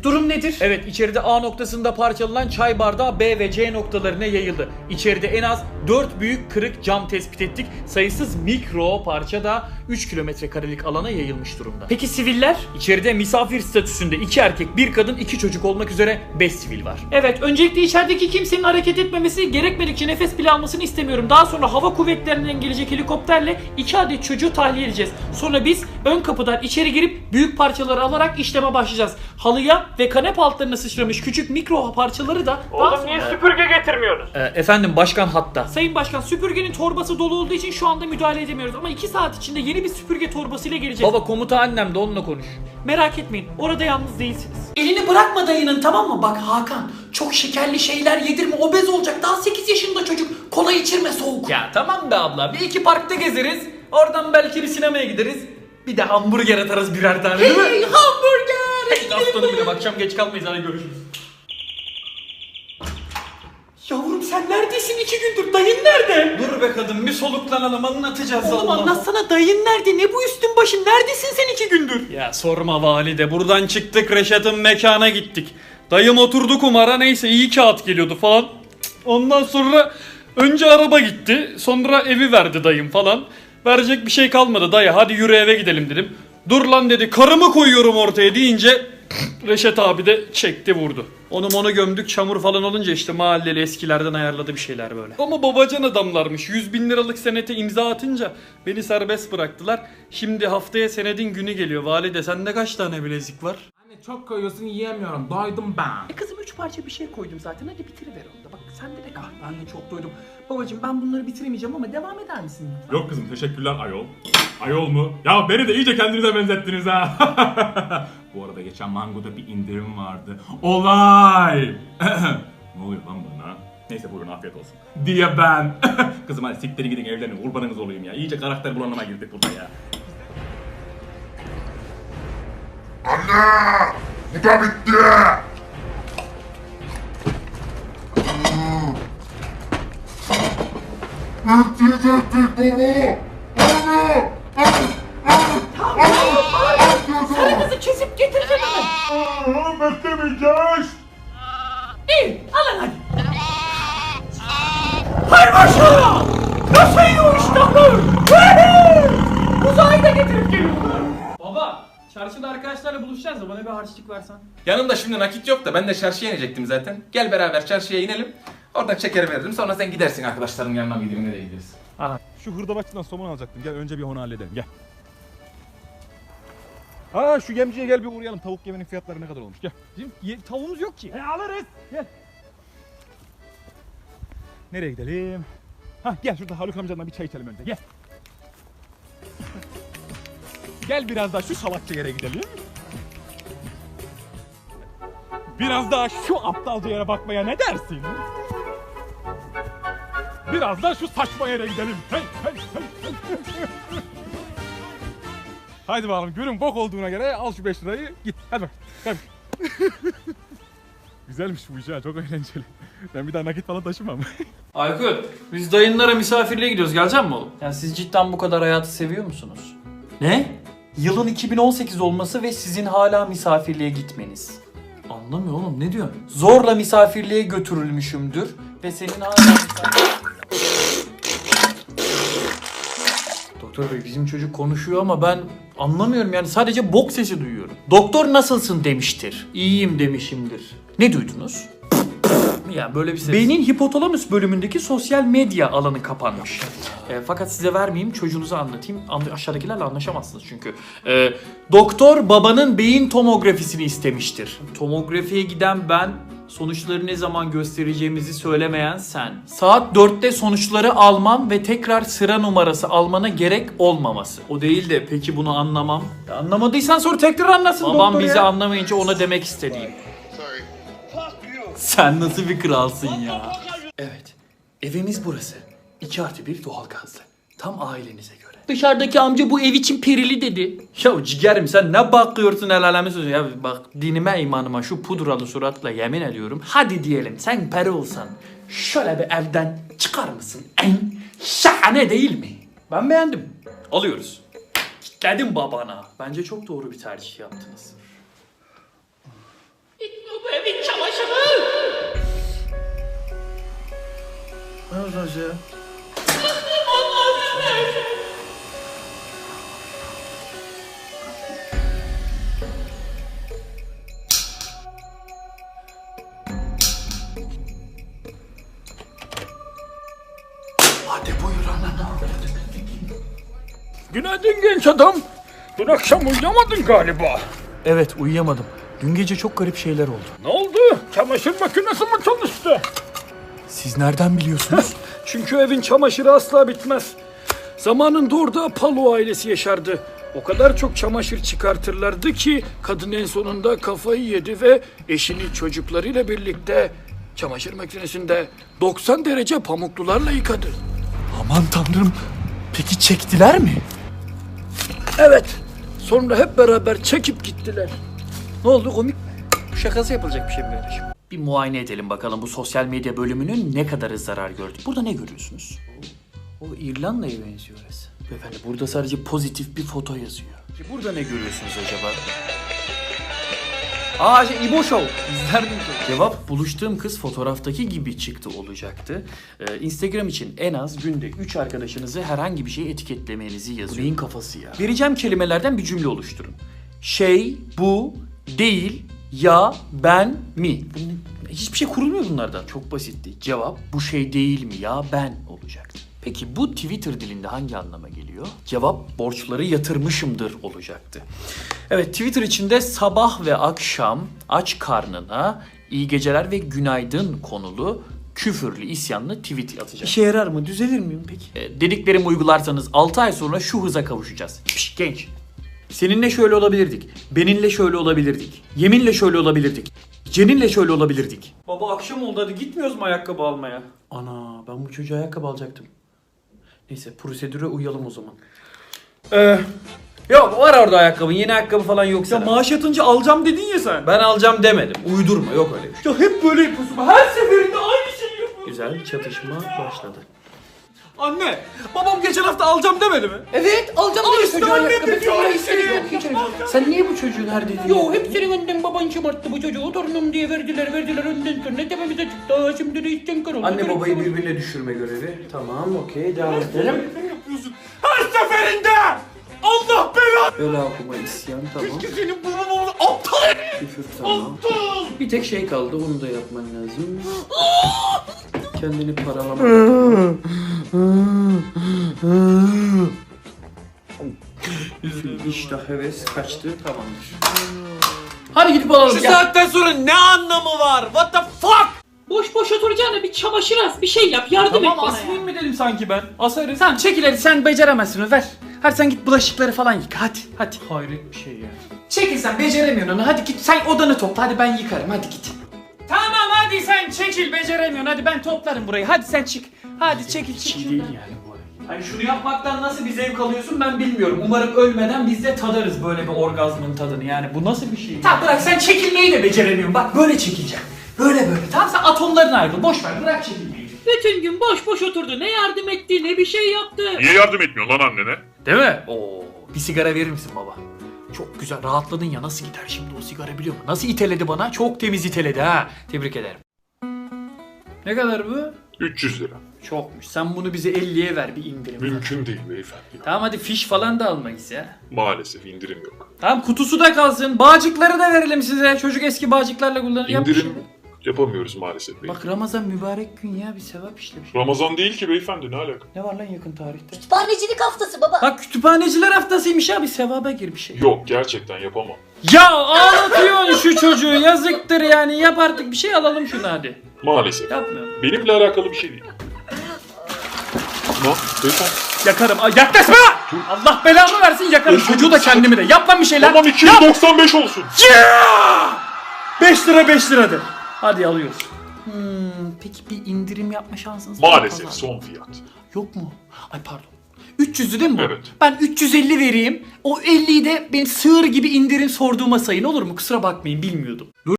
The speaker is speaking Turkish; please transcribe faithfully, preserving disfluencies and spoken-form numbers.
Durum nedir? Evet, içeride A noktasında parçalanan çay bardağı B ve C noktalarına yayıldı. İçeride en az dört büyük kırık cam tespit ettik. Sayısız mikro parça da üç kilometre karelik alana yayılmış durumda. Peki siviller? İçeride misafir statüsünde iki erkek, bir kadın, iki çocuk olmak üzere beş sivil var. Evet, öncelikle içerideki kimsenin hareket etmemesi, gerekmedikçe nefes bile almasını istemiyorum. Daha sonra hava kuvvetlerinden gelecek helikopterle iki adet çocuğu tahliye edeceğiz. Sonra biz ön kapıdan içeri girip büyük parçaları alarak işleme başlayacağız. Halıya ve kanepe altlarına sıçramış küçük mikro parçaları da... Oğlum niye süpürge getirmiyorsunuz? Ee, efendim başkan hatta. Sayın Başkan, süpürgenin torbası dolu olduğu için şu anda müdahale edemiyoruz. Ama iki saat içinde yeni bir süpürge torbasıyla geleceğiz. Baba komuta annem de onunla konuş. Merak etmeyin, orada yalnız değilsiniz. Elini bırakma dayının, tamam mı? Bak Hakan, çok şekerli şeyler yedirme, obez olacak. Daha sekiz yaşında çocuk. Kola içirme soğuk. Ya tamam be abla, bir iki parkta gezeriz. Oradan belki bir sinemaya gideriz. Bir de hamburger atarız birer tane, değil mi? Hey hamburger! Hey aslanım benim, akşam geç kalmayız, hadi görüşürüz. Yavrum sen neredesin iki gündür? Dayın nerede? Dur be kadın, bir soluklanalım, anlatacağız. Oğlum Allah. anlatsana, dayın nerede? Ne bu üstün başın? Neredesin sen iki gündür? Ya sorma valide, buradan çıktık Reşat'ın mekana gittik. Dayım oturdu kumara, neyse iyi kağıt geliyordu falan. Ondan sonra önce araba gitti, sonra evi verdi dayım falan. Verecek bir şey kalmadı, dayı hadi yürü eve gidelim dedim. Dur lan dedi, karımı koyuyorum ortaya deyince Reşat abi de çekti vurdu. Onu onu gömdük, çamur falan olunca işte mahalleli eskilerden ayarladı bir şeyler böyle. Ama babacan adamlarmış, yüz bin liralık senete imza atınca beni serbest bıraktılar. Şimdi haftaya senedin günü geliyor. Valide sende kaç tane bilezik var? Anne çok koyuyorsun, yiyemiyorum. Doydum ben. E kızım üç parça bir şey koydum zaten, hadi bitiriver onu da. Bak sende de kal. Ben de çok doydum. Babacım ben bunları bitiremeyeceğim ama devam eder misin? Yok kızım, teşekkürler ayol. Ayol mu? Ya beni de iyice kendinize benzettiniz ha. Bu arada geçen Mango'da bir indirim vardı. Olay! Ne oluyor lan bana? Neyse buyurun, afiyet olsun. Diye ben. Kızım hadi siktir gidin, evlenin, kurbanınız olayım ya. İyice karakter bulanıma girdik burada ya. Anne! Bu da bitti! Bitti ettik baba! Anne! Sarı kızı kesip getireceğim hemen. Aa, beklemeyeceğiz! İyi, alın hadi. Hay maşallah! Nasıl yiyor iştahlar? Uzayda getirip geliyorlar. Baba, çarşıda arkadaşlarla buluşacağız da bana bir harçlık versen. Yanımda şimdi nakit yok da ben de çarşıya inecektim zaten. Gel beraber çarşıya inelim. Oradan şeker veririm. Sonra sen gidersin arkadaşların yanına, mı gideyim, nereye gideriz? Şu hırdavatçıdan somon alacaktım. Gel önce bir onu halledelim, gel. Aa şu yemciye gel bir uğrayalım. Tavuk yemenin fiyatları ne kadar olmuş, gel. Bizim ye- tavuğumuz yok ki. E alırız. Gel. Nereye gidelim? Hah gel şurada Haluk amcanla bir çay içelim önce, gel. Gel biraz daha şu salakça yere gidelim. Biraz daha şu aptalca yere bakmaya ne dersin? Biraz daha şu saçma yere gidelim. Hey hey hey. hey. Haydi bakalım, görün bok olduğuna göre al şu beş lirayı git. Hadi bak. Hadi. Güzelmiş bu iş ha, çok eğlenceli. Ben bir daha nakit falan taşımam. Aykut, biz dayınlara misafirliğe gidiyoruz. Gelecek mi oğlum? Yani siz cidden bu kadar hayatı seviyor musunuz? Ne? Yılın iki bin on sekiz olması ve sizin hala misafirliğe gitmeniz. Anlamıyor oğlum, ne diyorsun? Zorla misafirliğe götürülmüşümdür ve senin hala misafirliğe... Doktor bey, bizim çocuk konuşuyor ama ben anlamıyorum yani, sadece bok sesi duyuyorum. Doktor nasılsın demiştir. İyiyim demişimdir. Ne duydunuz? Yani böyle bir ses. Beynin hipotalamus bölümündeki sosyal medya alanı kapanmış. E, fakat size vermeyeyim, çocuğunuza anlatayım. Anla- aşağıdakilerle anlaşamazsınız çünkü. E, doktor babanın beyin tomografisini istemiştir. Tomografiye giden ben, sonuçları ne zaman göstereceğimizi söylemeyen sen. Saat dörtte sonuçları almam ve tekrar sıra numarası almana gerek olmaması. O değil de peki bunu anlamam. Ya anlamadıysan sor, tekrar anlasın babam doktor bizi ya. Anlamayınca ona demek istediğim. Sen nasıl bir kralsın ya? Evet, evimiz burası. iki artı bir doğalgazlı. Tam ailenize göre. Dışarıdaki amca bu ev için perili dedi. Ya ciğerim sen ne bakıyorsun el alemi sözü ya, bak dinime imanıma şu pudralı suratla yemin ediyorum. Hadi diyelim sen peri olsan şöyle bir evden çıkar mısın? En şahane değil mi? Ben beğendim. Alıyoruz. Kitledim babana. Bence çok doğru bir tercih yaptınız. Ne yapıyorsunuz ya? Hadi buyur ana. Günaydın genç adam. Dün akşam uyuyamadın galiba. Evet, uyuyamadım. Dün gece çok garip şeyler oldu. Ne oldu? Çamaşır makinesi mi çalıştı? Siz nereden biliyorsunuz? Çünkü evin çamaşırı asla bitmez. Zamanında orada Palo ailesi yaşardı. O kadar çok çamaşır çıkartırlardı ki kadın en sonunda kafayı yedi ve eşini çocuklarıyla birlikte çamaşır makinesinde doksan derece pamuklularla yıkadı. Aman tanrım. Peki çektiler mi? Evet. Sonra hep beraber çekip gittiler. Ne oldu, komik mi? Bu şakası yapılacak bir şey mi kardeşim? Bir muayene edelim bakalım bu sosyal medya bölümünün ne kadarı zarar gördü. Burada ne görüyorsunuz? O İrlanda'ya benziyor orası. Beyefendi burada sadece pozitif bir foto yazıyor. Peki burada ne görüyorsunuz acaba? Aa şey İbo Show. İzler miyim? Cevap buluştuğum kız fotoğraftaki gibi çıktı olacaktı. Ee, Instagram için en az günde üç arkadaşınızı herhangi bir şey etiketlemenizi yazıyor. Neyin kafası ya? Vereceğim kelimelerden bir cümle oluşturun. Şey, bu, değil, ya, ben, mi. Bunun, hiçbir şey kurulmuyor bunlardan. Çok basitti. Cevap bu şey değil mi ya, ben olacaktı. Peki bu Twitter dilinde hangi anlama geliyor? Cevap borçları yatırmışımdır olacaktı. Evet, Twitter içinde sabah ve akşam aç karnına iyi geceler ve günaydın konulu küfürlü isyanlı tweet atacağım. İşe yarar mı? Düzelir miyim peki? E, dediklerimi uygularsanız altı ay sonra şu hıza kavuşacağız. Piş, genç. Seninle şöyle olabilirdik. Beninle şöyle olabilirdik. Yeminle şöyle olabilirdik. Ceninle şöyle olabilirdik. Baba akşam oldu, hadi gitmiyoruz mu ayakkabı almaya? Ana, ben bu çocuğa ayakkabı alacaktım. Neyse, prosedüre uyalım o zaman. Ee, yok var orada ayakkabın, yeni ayakkabı falan yoksa. Ya maaş yatınca alacağım dedin ya sen. Ben alacağım demedim. Uydurma, yok öyle bir şey. Ya hep böyle yapıyorsun. Her seferinde aynı şeyi yapıyorsun. Güzel, çatışma başladı. Anne, babam geçen hafta alacağım demedi mi? Evet, alacağım Al işte anne dedi ya. Sen niye bu çocuğun her dediğini... Yo hep senin önden baban şımarttı bu çocuğu. Torunum diye verdiler verdiler önden sonra tepemize çıktı. Aa, şimdi de içten kar oldu. Anne babayı birbirine düşürme görevi. Tamam, okey, devam edelim. Her seferinde! Allah belanı! Bela okuma, isyan, tamam. Senin babam oldu aptal herif! Küfür, tamam. Bir tek şey kaldı, onu da yapman lazım. Kendini paralamak. İştah, heves kaçtı, tamamdır. Hadi gidip alalım. Şu saatten sonra ne anlamı var? What the fuck? Boş boş oturacağına bir çamaşır as bir şey yap yardım Tamam et bana asmayayım ya. mı dedim sanki ben? Asarız. Sen çekil hadi, sen beceremezsin onu, ver. Hadi sen git bulaşıkları falan yıka, hadi hadi. Hayret bir şey ya. Çekil, sen beceremiyorsun onu, hadi git sen odanı topla, hadi ben yıkarım, hadi git. Tamam hadi sen çekil beceremiyorsun. Hadi ben toplarım burayı. Hadi sen çık. Hadi çekil çık. İyi değil yani bu arada. Hani şunu yapmaktan nasıl bir zevk alıyorsun ben bilmiyorum. Umarım ölmeden biz de tadarız böyle bir orgazmın tadını. Yani bu nasıl bir şey? Tamam bırak, sen çekilmeyi de beceremiyorsun. Bak böyle çekileceğim. Böyle böyle. Tamam sen atomlarına ayrıl. Boş ver, bırak çekilmeyi. Bütün gün boş boş oturdu. Ne yardım etti ne bir şey yaptı. Niye yardım etmiyor lan annene? Değil mi? Oo. Bir sigara verir misin baba? Çok güzel rahatladın ya, nasıl gider şimdi o sigara biliyor musun? Nasıl iteledi bana? Çok temiz iteledi ha. Tebrik ederim. Ne kadar bu? üç yüz lira. Çokmuş. Sen bunu bize elliye ver bir indirim. Mümkün değil beyefendi. Tamam hadi fiş falan da almayız ya. Maalesef indirim yok. Tamam kutusu da kalsın. Bağcıkları da verelim size. Çocuk eski bağcıklarla kullanır. yapmış İndirim onu. yapamıyoruz maalesef beyefendi. Bak Ramazan mübarek gün ya, bir sevap işlemiş. Ramazan değil ki beyefendi, ne alaka? Ne var lan yakın tarihte? Kütüphanecilik haftası baba. Bak kütüphaneciler haftasıymış ya, bir sevaba gir bir şey. Yok, gerçekten yapamam. Ya ağlatıyorsun şu çocuğu, yazıktır yani, yap artık bir şey, alalım şunu hadi. Maalesef. Yapmıyorum. Benimle alakalı bir şey değil. Ne? Beyefendi. Yakarım. Ay, yaklaşma! Allah belamı versin, yakarım. Çocuğu da kendimi de. Yap lan bir şeyler. Tamam iki yüz doksan beş olsun. beş lira beş liradır. Hadi alıyoruz. Hmm, peki bir indirim yapma şansınız var mı Maalesef pazarda? son fiyat. Yok mu? Ay pardon. üç yüzlü değil mi bu? Evet. Ben üç yüz elli vereyim. O elliyi de benim sığır gibi indirim sorduğuma sayın, olur mu? Kusura bakmayın, bilmiyordum.